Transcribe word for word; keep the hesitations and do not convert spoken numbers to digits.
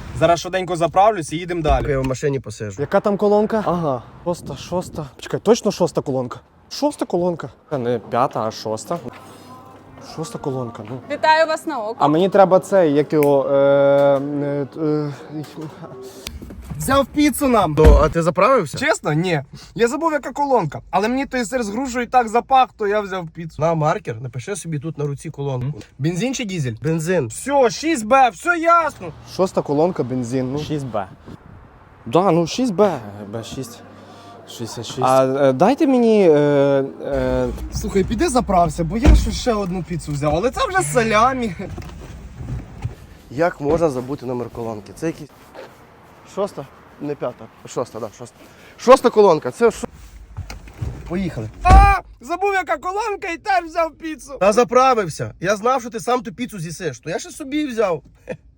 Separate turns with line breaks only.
Зараз швиденько заправлюсь і їдемо далі.
Я в машині посижу.
Яка там колонка?
Ага.
Шоста, шоста. Чекай, точно шоста колонка? Шоста колонка. Не п'ята, а шоста. Шоста колонка, ну.
Вітаю вас на око.
А мені треба цей, як його. Е, е, е,
Взяв піцу нам.
То, а ти заправився?
Чесно? Ні. Я забув, яка колонка. Але мені той сир з грушею так запах, то я взяв піцу.
На маркер, напиши собі тут на руці колонку.
Бензин чи дізель?
Бензин.
Все, шість бе, все ясно.
Шоста колонка, бензин. Ну. шість бе. Да, ну шість бе. бе шість. шістдесят шість. А е, дайте мені. Е, е,
Слухай, піди заправся, бо я ще ще одну піцу взяв, але це вже салямі.
Як можна забути номер колонки? Це якийсь... Шоста? Не п'ята. Шоста, так, да, шоста. Шоста колонка, це що? Поїхали.
А, забув, яка колонка, і теж взяв піцу.
Та заправився. Я знав, що ти сам ту піцу з'їсиш, то я ще собі взяв.